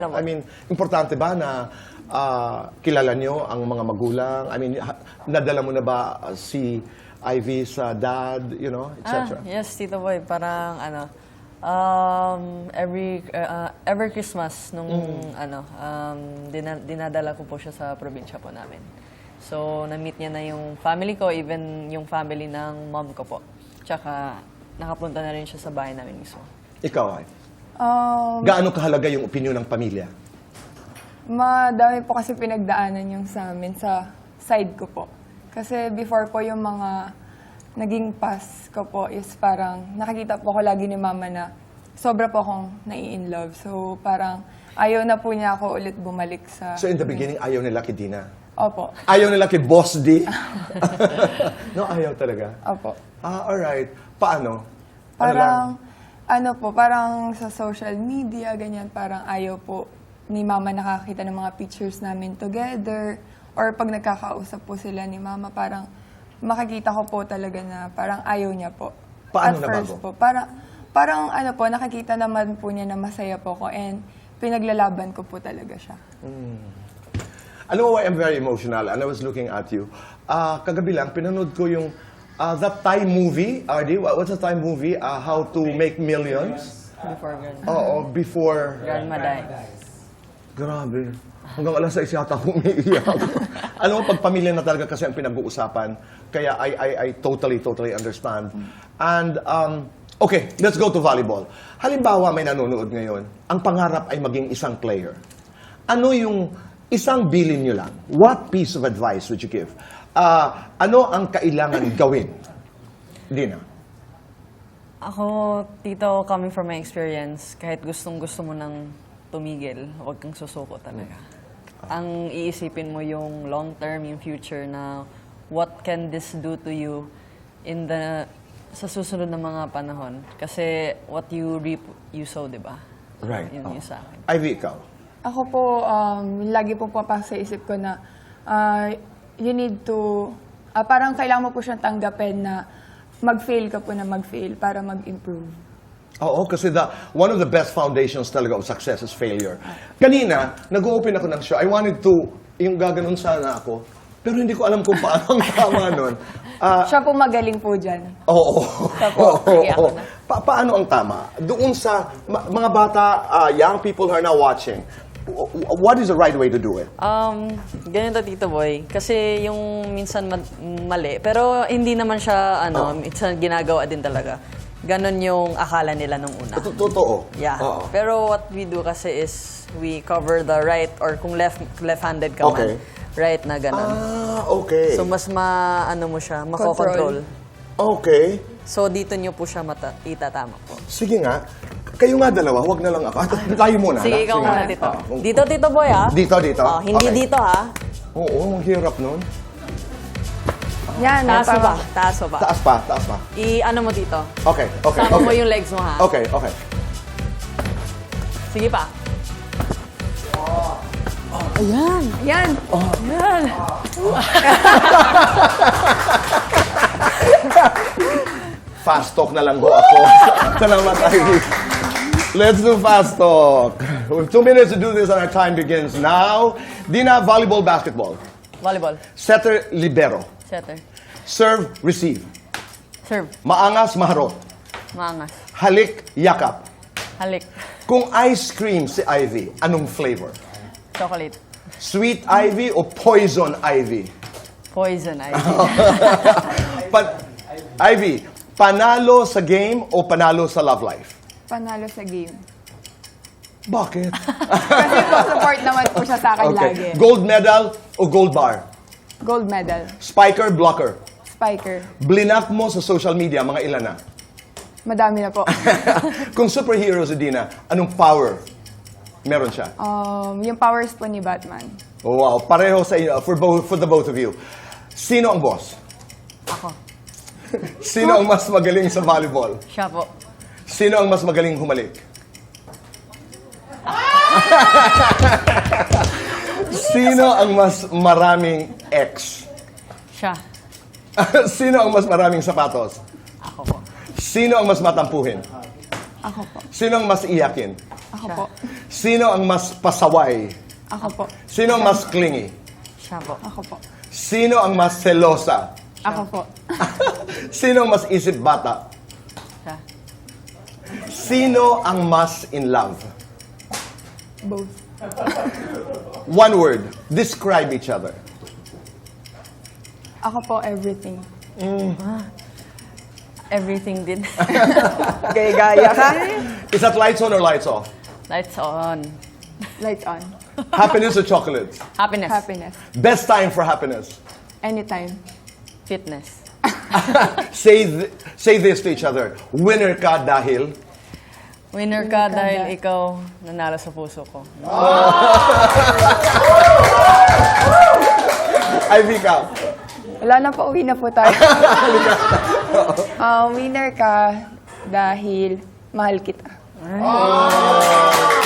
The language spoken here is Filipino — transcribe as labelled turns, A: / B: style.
A: I mean, importante ba na kilala nyo ang mga magulang? I mean, nadala mo na ba si Ivy sa dad, you know, etc.?
B: Yes, Tito Boy. Parang every Christmas nung dinadala ko po siya sa probinsya po namin. So, na-meet niya na yung family ko, even yung family ng mom ko po. Tsaka, nakapunta na rin siya sa bahay namin mismo.
A: Ikaw, ay? Gaano kahalaga yung opinion ng pamilya?
C: Madami po kasi pinagdaanan yung sa amin sa side ko po. Kasi before po yung mga naging past ko po is parang nakikita po ko lagi ni mama na sobra po akong nai-in-love. So parang ayaw na po niya ako ulit bumalik sa...
A: So in the beginning, ayaw nila kay Dina?
C: Opo.
A: Ayaw nila kay Boss D? No, ayaw talaga?
C: Opo.
A: Alright. Paano?
C: Parang, parang sa social media, ganyan, parang ayaw po ni mama nakakita ng mga pictures namin together. Or pag nagkakausap po sila ni mama, parang makikita ko po talaga na parang ayaw niya po.
A: Paano
C: At first
A: nabago?
C: po, parang nakikita naman po niya na masaya po ko and pinaglalaban ko po talaga siya.
A: Alam mo why I'm very emotional? And I was looking at you. Kagabi lang, pinanood ko yung that Thai movie, RD, what's the Thai movie? How to Make Millions?
B: Before Grandma.
A: Oo, before...
B: Grandma died.
A: Grabe. Hanggang alas 6 yata akong umiiyak. Alam mo, pag pamilya na talaga kasi ang pinag-uusapan, kaya I totally understand. And, okay, let's go to volleyball. Halimbawa, may nanonood ngayon, ang pangarap ay maging isang player. Ano yung isang bilin nyo lang? What piece of advice would you give? Ano ang kailangan gawin? Dina?
B: Ako, Tito, coming from my experience, kahit gustong-gusto mo nang tumigil, huwag kang susuko talaga. Ang iisipin mo yung long term, yung future na what can this do to you sa susunod na mga panahon. Kasi what you reap, you sow, di ba?
A: Right.
B: Yun yung sa akin.
A: Ivy, ikaw?
C: Ako po, lagi po papasok sa isip ko na you need to, parang kailangan mo po siyang tanggapin na mag-fail ka po na mag-fail para mag-improve.
A: Oo, kasi one of the best foundations talaga of success is failure. Kanina, nag-open ako ng show. I wanted to, yung gaganon sana ako, pero hindi ko alam kung paano ang tama nun.
C: Siya po magaling po dyan.
A: Oo.
C: Opo, sige, ako na.
A: Paano ang tama? Doon sa mga bata, young people who are now watching, what is the right way to do it?
B: Ganito, Tito Boy. Kasi yung minsan mali, pero hindi naman siya, minsan ginagawa din talaga. Ganon yung akala nila nung una.
A: Totoo.
B: Yeah.
A: Oo.
B: Pero what we do kasi is we cover the right or kung left-handed ka
A: Okay.
B: man, right na ganon.
A: Okay.
B: So mas mo siya, mako-control.
A: Okay.
B: So dito nyo po siya itatama po.
A: Sige nga. Kayo nga dalawa, huwag na lang ako. Tayo muna.
B: Sige, ikaw muna, Tito. Dito, Tito Boy, ha?
A: Dito.
B: Oh, hindi
A: Okay.
B: dito, ha?
A: Oo, ang hirap nun.
C: Yan,
B: Taas mo ba? Taas mo ba?
A: Taas pa.
B: Ano mo dito?
A: Okay.
B: Sama mo yung legs mo, ha?
A: Okay.
B: Sige pa.
C: Yan.
B: Yan.
A: Fast talk na lang ho ako. Salamat, Ivy. Let's do fast talk. We have 2 minutes to do this and our time begins now. Dina, volleyball, basketball.
B: Volleyball.
A: Setter, libero.
B: Setter.
A: Serve, receive.
B: Serve.
A: Maangas, maharot.
B: Maangas.
A: Halik, yakap.
B: Halik.
A: Kung ice cream si Ivy, anong flavor?
B: Chocolate.
A: Sweet Ivy o poison Ivy?
B: Poison,
A: Ivy, panalo sa game o panalo sa love life?
C: Panalo sa game.
A: Bakit?
C: Kasi po, support naman po siya sa akin lagi.
A: Gold medal o gold bar?
C: Gold medal.
A: Spiker, blocker?
C: Spiker.
A: Blinak mo sa social media, mga ilan na?
C: Madami na po.
A: Kung superhero si Dina, anong power meron siya?
C: Yung powers po ni Batman.
A: Oh, wow, pareho sa inyo, for the both of you. Sino ang boss?
B: Ako.
A: Sino ang mas magaling sa volleyball?
B: Siya po.
A: Sino ang mas magaling humalik? Sino ang mas maraming ex?
B: Siya.
A: Sino ang mas maraming sapatos?
B: Ako po.
A: Sino ang mas matampuhin?
C: Ako po.
A: Sino ang mas iyakin?
C: Ako po.
A: Sino ang mas pasaway?
C: Ako po.
A: Sino ang mas clingy?
B: Siya po.
C: Ako po.
A: Sino ang mas selosa?
C: Ako po.
A: Sino ang mas isip bata?
B: Siya.
A: Sino ang mas in love?
C: Both.
A: One word. Describe each other.
C: Ako po, everything.
B: Everything din.
C: Gaya ka?
A: Is that lights on or lights off?
B: Lights on.
C: Lights on.
A: Happiness or chocolates?
B: Happiness.
C: Happiness.
A: Best time for happiness?
C: Anytime.
B: Fitness.
A: Say this to each other. Winner ka dahil...
B: Winner ka dahil ikaw nanalo sa puso ko.
A: Ivy ka.
C: Wala na po, uwi na po tayo. Winner ka dahil mahal kita.